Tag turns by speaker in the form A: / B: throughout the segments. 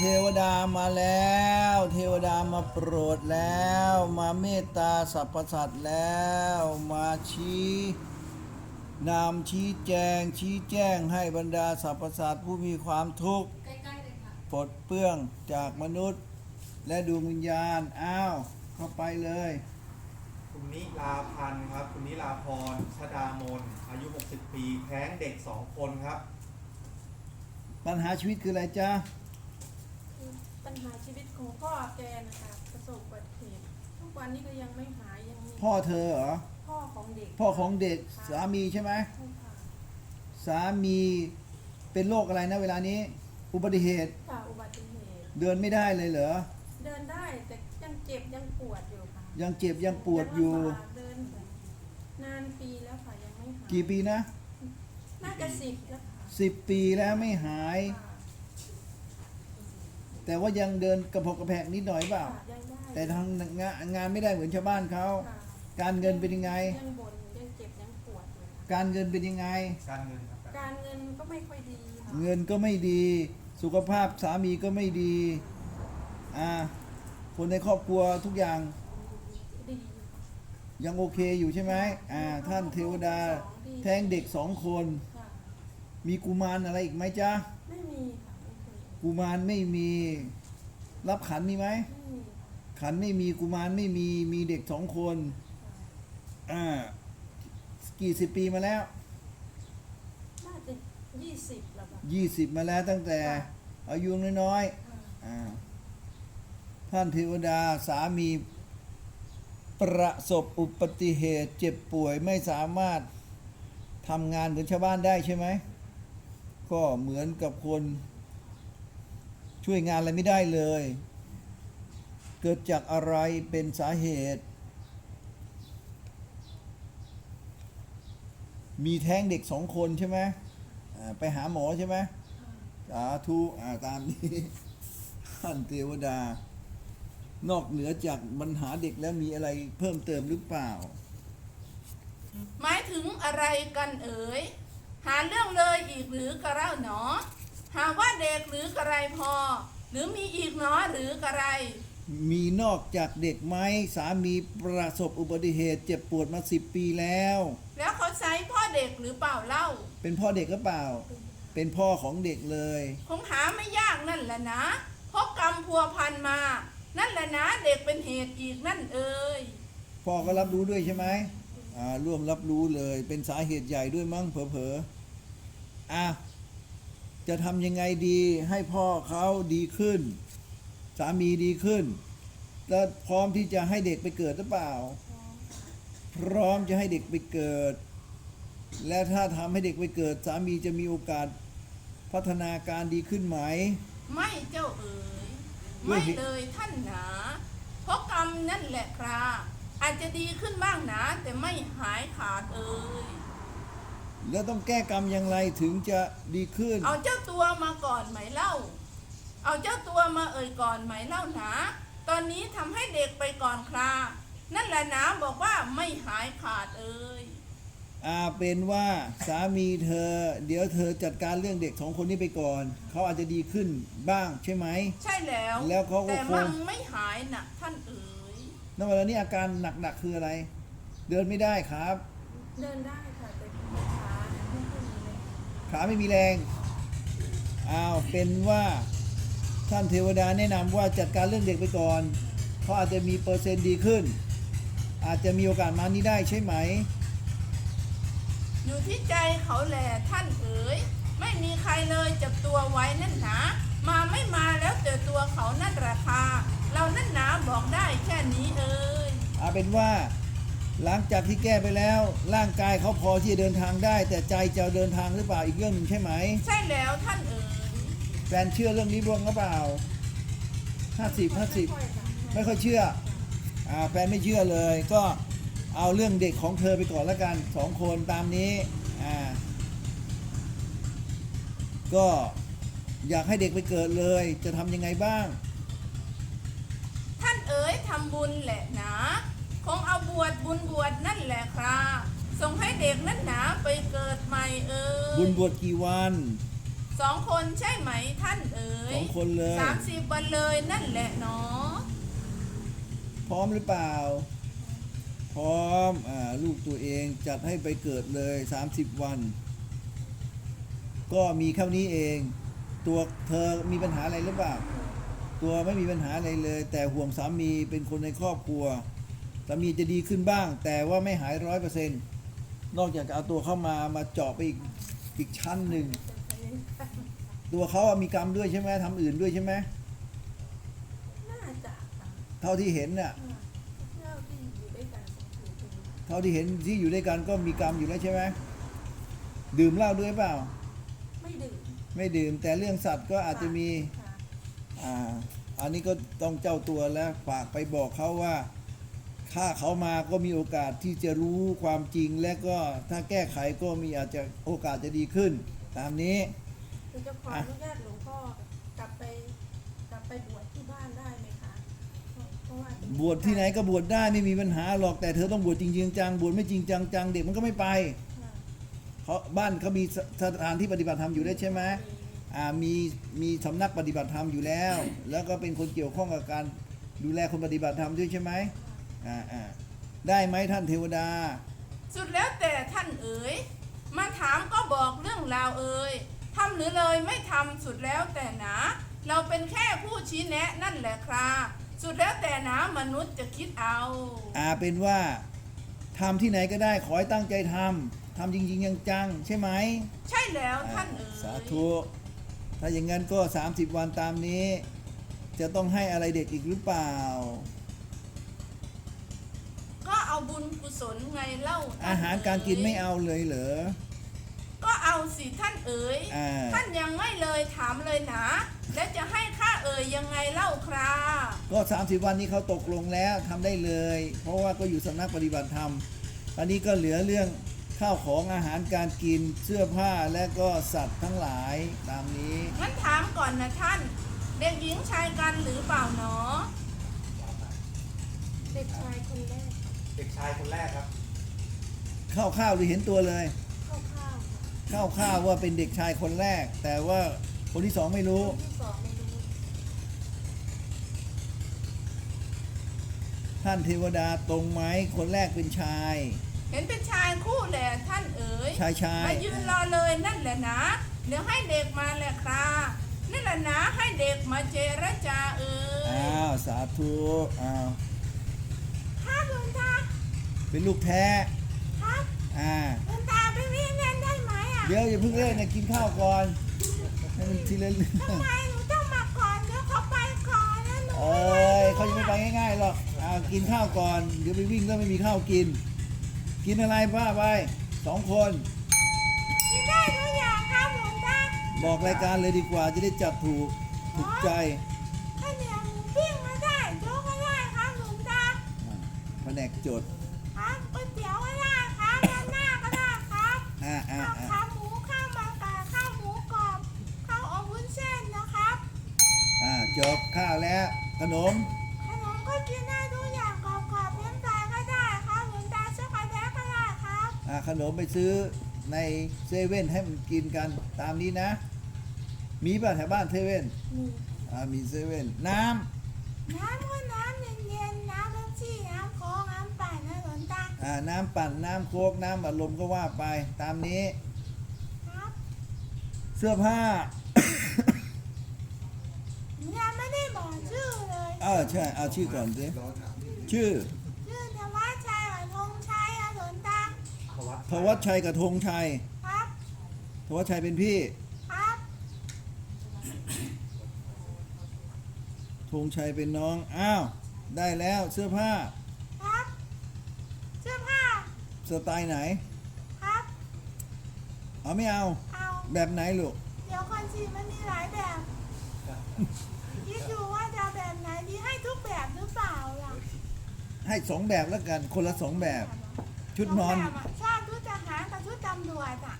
A: วดามาแล้วเทวดามาโปรดแล้วมาเมตตาสรรพสัตว์แล้วมาชี้นำชี้แจงให้บรรดาสรรพสัตว์ผู้มีความทุกข์
B: ใกล้ๆเลยค่ะ
A: ปลดเปลื้องจากมนุษย์และดวงวิญญาณอ้าวเข้าไปเลย
C: คุณนิลาพันธ์ครับคุณนิลาพรชดามนอายุ 60 ปีแท้งเด็ก 2 คนครับ
A: ปัญหาชีวิตคืออะไรจ๊ะ
B: ปัญหาชีวิตของพ่อแกนะคะประสบอุบัติเหตุทุกวันนี้ก็ยังไม่หายยังมี
A: พ่อเธอเหรอ
B: พ่อของเด็ก
A: พ่อของเด็กสามีใช่ไหม
B: ใช่ค่ะ
A: สามีเป็นโรคอะไรนะเวลานี้อุบัติเหตุ
B: ค่ะอุบัติเหตุ
A: เดินไม่ได้เลยเหรอ
B: เดินได้แต่ยังเจ็บยังปวดอยู่ค่ะ
A: ยังเจ็บยังปวดอยู่
B: เดินนานปีแล้วค่ะยังไม่หาย
A: กี่ปีนะ
B: น่าจะ10แล้วค่ะ
A: 10 ปีแล้วไม่หายแต่ว่ายังเดินกระเพกกระแพกนิดหน่อยเปล่าแต่ทางงานไม่ได้เหมือนชาวบ้านเขาการเงินเป็นยังไง
B: ยังบ่นยังเจ็บยังปวดอยู่
A: การเงินเป็นยังไง
C: การเงินครับ
B: การเงินก็ไม่ค่อยดี
A: เงินก็ไม่ดีสุขภาพสามีก็ไม่ดีคนในครอบครัวทุกอย่าง
B: ดี
A: ยังโอเคอยู่ใช่ไหมท่านเทวดาแท้งเด็ก2 คนมีกุมารอะไรอีกไหมจ๊ะ
B: ไม่มีค่ะ
A: กุมารไม่มีรับขันมีไหมขันไม่มีกุมารไม่มีเด็ก2 คนกี่สิบปีมาแล้ว
B: น่าจะ20แล้ว
A: ค่ะ20มาแล้วตั้งแต่อายุน้อยๆท่านเทวดาสามีประสบอุบัติเหตุเจ็บป่วยไม่สามารถทำงานเหมือนชาวบ้านได้ใช่ไหมก็เหมือนกับคนช่วยงานอะไรไม่ได้เลยเกิดจากอะไรเป็นสาเหตุมีแท้งเด็ก2 คนใช่ไหมไปหาหมอใช่ไหมสาธุตามนี้ท่านเทวดานอกเหนือจากปัญหาเด็กแล้วมีอะไรเพิ่มเติมหรือเปล่า
D: หมายถึงอะไรกันเอ๋ยหาเรื่องเลยอีกหรือกระเล่าหนอหาว่าเด็กหรือกระไรพอหรือมีอีกหนอหรือกระไร
A: มีนอกจากเด็กไหมสามีประสบอุบัติเหตุเจ็บปวดมา10 ปีแล้ว
D: เขาใช้พ่อเด็กหรือเปล่าเล่า
A: เป็นพ่อเด็กหรือเปล่าเป็นพ่อของเด็กเลย
D: คงหาไม่ยากนั่นแหละนะเพราะกรรมพัวพันมานั่นแหละนะเด็กเป็นเหตุอีกนั่นเอ่ย
A: พ่อก็รับรู้ด้วยใช่ไหมร่วมรับรู้เลยเป็นสาเหตุใหญ่ด้วยมั้งเผลอๆจะทำยังไงดีให้พ่อเขาดีขึ้นสามีดีขึ้นแล้วพร้อมที่จะให้เด็กไปเกิดหรือเปล่าพร้อมจะให้เด็กไปเกิดและถ้าทำให้เด็กไปเกิดสามีจะมีโอกาสพัฒนาการดีขึ้นไหม
D: ไม่เจ้าเอ๋ยไม่เลยท่านหนาเพราะกรรมนั่นแหละครับอาจจะดีขึ้นบ้างนะแต่ไม่หายขาดเอ่ย
A: แล้วต้องแก้กรรมอย่างไรถึงจะดีขึ้น
D: เอาเจ้าตัวมาก่อนไหมเล่าเอาเจ้าตัวมาเอ่ยก่อนไหมเล่านะตอนนี้ทำให้เด็กไปก่อนครานั่นแหละนะบอกว่าไม่หายขาดเอ่ย
A: เป็นว่าสามีเธอเดี๋ยวเธอจัดการเรื่องเด็ก2 คนนี้ไปก่อนเขาอาจจะดีขึ้นบ้างใช่ไหม
D: ใช่แล้ว
A: เขาก็
D: แต่มันไม่หายนะท่านเอ๋ย
A: ณ เวลานี้อาการหนักๆคืออะไรเดินไม่ได้ครับ
B: เดินได้ค่ะแต่ขาไม่มีแรง
A: เป็นว่าท่านเทวดาแนะนำว่าจัดการเรื่องเด็กไปก่อนเขาอาจจะมีเปอร์เซ็นต์ดีขึ้นอาจจะมีโอกาสมานี้ได้ใช่ไหม
D: อยู่ที่ใจเขาแหละท่านเอ๋ยไม่มีใครเลยจับตัวไว้นั่นหนามาไม่มาแล้วแต่ตัวเขานั่นราคาเรานั่นหนาบอกได้แค่นี้เอ๋ย
A: เป็นว่าหลังจากที่แก้ไปแล้วร่างกายเขาพอที่จะเดินทางได้แต่ใจจะเดินทางหรือเปล่าอีกเรื่องนึงใช่ไหม
D: ใช่แล้วท่านเอ๋ย
A: แฟนเชื่อเรื่องนี้บ้างหรือเปล่า50ไม่ค่อยเชื่อแฟนไม่เชื่อเลยก็เอาเรื่องเด็กของเธอไปก่อนแล้วกัน2 คนตามนี้ก็อยากให้เด็กไปเกิดเลยจะทำยังไงบ้าง
D: ท่านเอ๋ยทำบุญแหละนะคงเอาบุญบวชนั่นแหละครับส่งให้เด็กนั่นหนาไปเกิดใหม่เอ๋ย
A: บุญบวชกี่วัน
D: 2 คนใช่ไหมท่านเอ๋ย
A: 2 คนเลย
D: 30 วันเลยนั่นแหละเนาะ
A: พร้อมหรือเปล่า พร้อมลูกตัวเองจัดให้ไปเกิดเลย30 วัน ก็มีแค่นี้เอง ตัวเธอมีปัญหาอะไรหรือเปล่า ตัวไม่มีปัญหาอะไรเลย แต่ห่วงสามีเป็นคนในครอบครัวสามีจะดีขึ้นบ้าง แต่ว่าไม่หาย100%นอกจากจะเอาตัวเข้ามาเจาะไปอีกชั้นหนึ่ง ตัวเขามีกรรมด้วยใช่ไหมทำอื่นด้วยใช่ไหม
B: น่าจะค่ะ
A: เท่าที่เห็นน่ะ
B: เจ้าที่อยู่ด้วยกันคือ
A: เท่าที่เห็นที่อยู่ด้วยกันก็มีกรรมอยู่แล้วใช่ไหมดื่มเหล้าด้วยเปล่า
B: ไม่ดื่ม
A: ไม่ดื่มแต่เรื่องสัตว์ก็อาจจะมี
B: ค่ะ
A: อันนี้ก็ต้องเจ้าตัวแล้วฝากไปบอกเขาว่าถ้าเขามาก็มีโอกาสที่จะรู้ความจริง และก็ถ้าแก้ไขก็มีอาจจะโอกาสจะดีขึ้น ตามนี้
B: คือจะขออนุญาตหลวงพ่อกลับไปบวชที่บ้านได้ไหมคะเพราะว่าจะมี
A: บวชที่ไหนก็บวชได้ไม่มีปัญหาหรอกแต่เธอต้องบวชจริงๆจังบวชไม่จริงจังเด็กมันก็ไม่ไป
B: ค่ะ
A: เขาบ้านเขามีสถานที่ปฏิบัติธรรมอยู่ได้ใช่ไหมมีสำนักปฏิบัติธรรมอยู่แล้ว แล้วก็เป็นคนเกี่ยวข้องกับการดูแลคนปฏิบัติธรรมด้วยใช่ไหมได้ไหมท่านเทวดา
D: สุดแล้วแต่ท่านเอ๋ยมาถามก็บอกเรื่องราวเอ๋ยทำหรือเลยไม่ทำสุดแล้วแต่หนาเราเป็นแค่ผู้ชี้แนะนั่นแหละครับสุดแล้วแต่หนามนุษย์จะคิดเอา
A: เป็นว่าทำที่ไหนก็ได้ขอให้ตั้งใจทำจริงๆจังๆใช่ไหม
D: ใช่แล้วท่านเอ๋ย
A: สาธุถ้าอย่างนั้นก็30 วันตามนี้ จะต้องให้อะไรเด็กอีกหรือเปล่า
D: ก็เอาบุญกุศลไงเล่าท่น
A: อาหารการกินไม่
D: เอ๋ย
A: เอาเลยเหรอ
D: ก็เอาสิท่านเอ๋ย
A: อ่า
D: ท่านยังไม่เลยถามเลยนะแล้วจะให้ข้าเอ๋ยยังไงเล่าครับ
A: ก็30 วันนี้เขาตกลงแล้วทำได้เลย เพราะว่าก็อยู่สำนักปฏิบัติธรรมอันนี้ก็เหลือเรื่องข้าวของอาหารการกินเสื้อผ้าและก็สัตว์ทั้งหลายตามนี้
D: งั้นถามก่อนนะท่าน เด็กหญิงชายกันหรือเปล่าหนอ
B: เด็กชายคนแรก
C: เด็กชายคนแรกครับ
A: ข้าวหรือเห็นตัวเลย
B: คร่าวๆค่ะ
A: ข้าวว่าเป็นเด็กชายคนแรก แต่ว่าคนที่สองไม่รู้
B: คนที่สองไม่รู้
A: ท่านเทวดาตรงไหมคนแรกเป็นชาย
D: เห็นเป็นชายคู่แหละท่านเอ๋ย
A: ชาย
D: มายืนรอเลยนั่นแหละนะ เดี๋ยวให้เด็กมาแหละครับนี่แหละนะให้เด็กมาเจรจาเอ๋ย
A: สาธุอ้าว
D: ครับหลวงตา
A: เป็นลูกแท้
D: ครับ หลวงตาไปวิ่งเล่นได้ไหมอ่ะ
A: เดี๋ยวอย่าเพิ่งเล่นนะกินข้าวก่อนให้มันทีละเรื่อง
D: ทำไมหนูต้องมาก่อนเดี๋ยวเขาไปก่อนแล้วหนู
A: เอ้ยเขาจะไม่ไปง่ายๆหรอกกินข้าวก่อนเดี๋ยวไปวิ่งแล้วไม่มีข้าวกิน กินอะไรป้าไป2 คน
D: กินได้ทุกอย่างครับหลวงตา
A: บอกรายการเลยดีกว่าจะได้จับถูกใจ
D: ข้าวเหนียวหมูปิ้งก็ได้โจ๊กก็ได้ครับหลวงตา
A: แผนกจด
D: ครับก๋วยเตี๋ยวก็ได้ครับราดหน้าก็ได้ครับ ข้าวขาหมูข้าวมันไก่ข้าวหมูกรอบข้าวอบวุ้นเส้นนะครับ
A: จบข้าวแล้วขนม
D: ขนมก็กินได้ทุกอย่างกรอบๆเลี้ยงตายก็ได้ครับหลวงตาช็อกโกแลตก็ได้ครับ
A: ขนมไปซื้อในเซเว่นให้มันกินกันตามนี้นะ มีป่ะแถวบ้านเซเว่น
B: มี
A: มีเซเว่นน้
D: น้ำก็น้ำเย็นๆน้ำเป๊ปซี่น้ำโค้กน้ำปั่นนะหลวงตา
A: ำน้ำปั่นน้ำโค้กน้ำอัดลมก็ว่าไปตามนี้
D: ครับ
A: เสื้อผ้า
D: ยังไม่ได้บอกชื่อเลย
A: ใช่เอาชื่อก่อนสิชื่อ
D: ชื่อธวัชชัยกับธงชัยอะหลวงตา
A: ธวัชชัยกับธงชัย
D: ครับ
A: ธวัชชัยเป็นพี่
D: ครับ
A: ธงชัยเป็นน้องได้แล้วเสื้อผ้า
D: ครับเสื้อผ้า
A: สไตล์ไหน
D: ครับ
A: ไม่เอา
D: เอา
A: แบบไหนลูก
D: เดี๋ยวก่อนสิมันมีหลายแบบคิดดูว่าจะเอาแบบไหนดีให้ทุกแบบหรือเปล่าล่ะ
A: ให้2 แบบแล้วกันคนละ2 แบบ ชุดนอน
D: สงแบบะชอบชุดทหารกับชุดตำรวจอ่ะ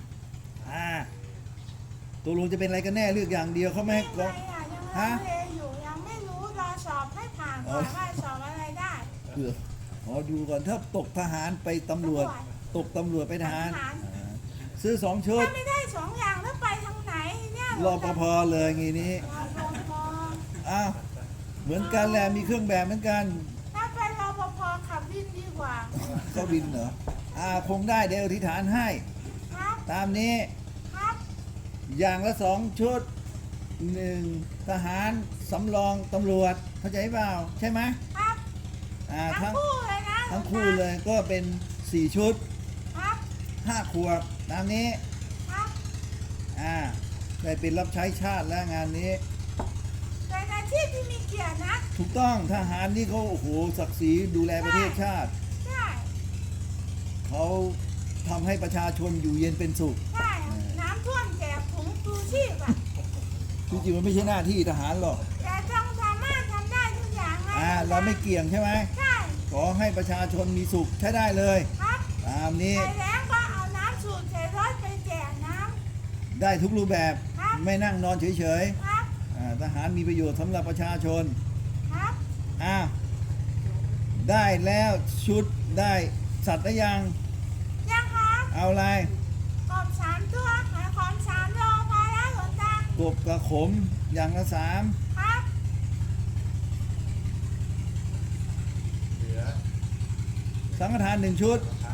A: ตัวลุงจะเป็นอะไรกันแน่เลือกอย่างเดียวเขาไม่ให้
D: ไม่ไงอ่ะยังลังเลอยู่ยังไม่รู้รอสอบให้ผ่านก่อนว่าสอบอะไรได้
A: เผื่อดูก่อนถ้าตกทหารไปตำรวจ ตกตำรวจไปทหาร
D: ทหาร
A: ซื้อ2 ชุด
D: ถ้าไม่ได้2 อย่างแล้วไปทางไหนเนี่ย
A: รอปภเลยงี้นี้
D: รปภ
A: อ้าวเหมือนกันแหละมีเครื่องแบบเหมือนกัน
D: ถ้าเป็นรปภขับวินดีกว่า
A: ก็บินเหรอคงได้เดี๋ยวอธิษฐานให้
D: ครับ
A: ตามนี้
D: ครับ
A: อย่างละ2 ชุด 1 ทหารสำรองตำรวจเข้าใจเปล่าใช่ไหม
D: ครับ ทั้
A: ทั้
D: ง
A: ง
D: คู่เลยนะ
A: ทั้งคู่เลยก็เป็น4 ชุด
D: ครับ
A: 5 ขวบตามนี้
D: ครับ
A: ได้เป็นรับใช้ชาติแล้วงานนี้
D: เป็นอาชีพที่มีเกียรตินะ
A: ถูกต้องทหารนี่เขาโอ้โหศักดิ์ศรีดูแลประเทศชาติ
D: ใช่
A: เขาทำให้ประชาชนอยู่เย็นเป็นสุข
D: ใช่น้ำท่วมแจกถุงชูชีพอ่ะ
A: จริงๆมันไม่ใช่หน้าที่ทหารหรอก
D: แต่ต้องสามารถทำได้ทุกอย่างไง
A: เราไม่เกี่ยงใช่ไหม
D: ใช่
A: ขอให้ประชาชนมีสุขใช้ได้เลย
D: ครับ
A: ตามนี้
D: ไปแล้วก็เอาน้ำสูบใส่รถไปแจกน้
A: ได้ทุกรูปแบบ
D: ครับ
A: ไม่นั่งนอนเฉย
D: ำครับ
A: ๆทหารมีประโยชน์สำหรับประชาชน
D: ครับ
A: ได้แล้วชุดได้สัตว์หรือยัง
D: ยังครับ
A: เอาอะไร
D: กบ3 ตัวขายของ3 โลพอแล้วหลวงตาก
A: บกระขมอย่างละ
D: ครับ
C: เหลือ
A: 3สังฆทาน1 ชุด
C: ครับ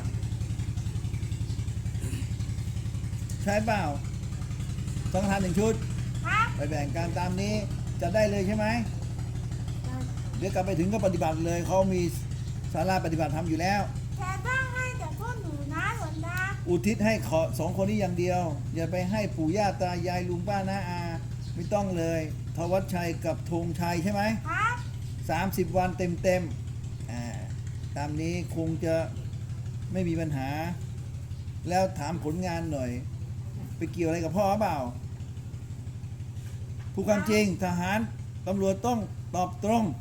A: ใช้เปล่าสังฆทาน1 ชุด
D: ครับ
A: ไปแบ่งกันตามนี้จะได้เลยใช่ไหม เดี๋ยวกลับไปถึงก็ปฏิบัติเลยเขามีศาลาปฏิบัติธรรมอยู่แล้ว
D: แต่ต้องให้แต่พวกหนูนะหลวงตา
A: อุทิศให้2 คนนี้อย่างเดียว อย่าไปให้ปู่ย่าตายายลุงป้าน้าอาไม่ต้องเลยทวัชชัยกับธงชัยใช่ไหม
D: ครับ
A: 30 วันเต็มตามนี้คงจะไม่มีปัญหา แล้วถามผลงานหน่อย ไปเกี่ยวอะไรกับพ่อเปล่าผู้ความจริงทหารตำรวจต้องตอบตรง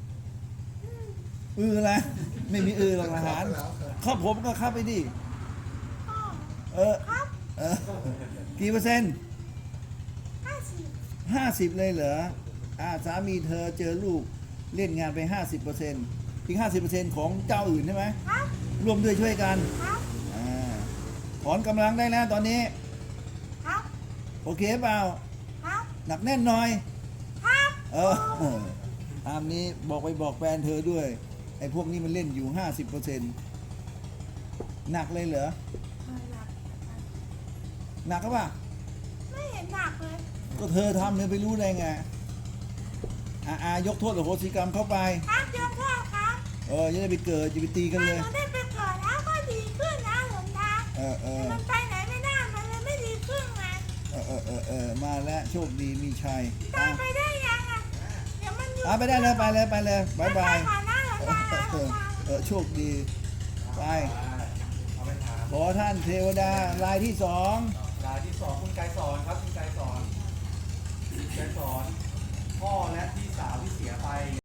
A: อะไรไม่มีหรอกทหารเข้าผมก็เข้าไปดิ
D: พ่อ
A: เออ
D: ครับ
A: เออกี่เปอร์เซ็นต์
D: 50
A: 50 เลยเหรอสามีเธอเจอลูกเล่นงานไป 50%อีก 50%ของเจ้าอื่นใช่ไหม
D: ครับ
A: ร่วมด้วยช่วยกัน
D: ครับ
A: ถอนกำลังได้แล้วตอนนี้
D: ครับ
A: โอเคเปล่า
D: ครับ
A: หนักแน่นหน่อย
D: ครับ
A: ตามนี้บอกแฟนเธอด้วย ไอ้พวกนี้มันเล่นอยู่ 50%หนักเลยเหรอ หนักก็ปล่ะ
D: ไม่เห็นหนักเลย
A: ก็เธอทำเธอไปรู้ได้ไง ยกโทษอโหสิกรรมเข้าไป
D: ครับยกโทษครับ
A: จะได้ไปเกิดจะไปตีกัน
D: ถ้า
A: เล
D: ห
A: ย
D: นูได้ไปเกิดแล้วก็ดีขึ้นนะหลวงตา แต่มันไปไหนไม่ได้มันเลยไม่ดีขึ้นไง
A: มาแล้วโชคดีมีชัย
D: ตายไปได้ยังอ่ะเดี๋ยวมันอยู่
A: ไปได้เลยไปเลยบายบาย
D: ไปก่อนนะหลวงตาหลวงตา
A: โชคดี ไป
C: เอาไปถาม
A: ขอท่านเทวดารายที่ 2
C: รายที่ 2 คุณไกรสอนครับคุณไกรสอนพ่อและพี่สาวที่เสียไป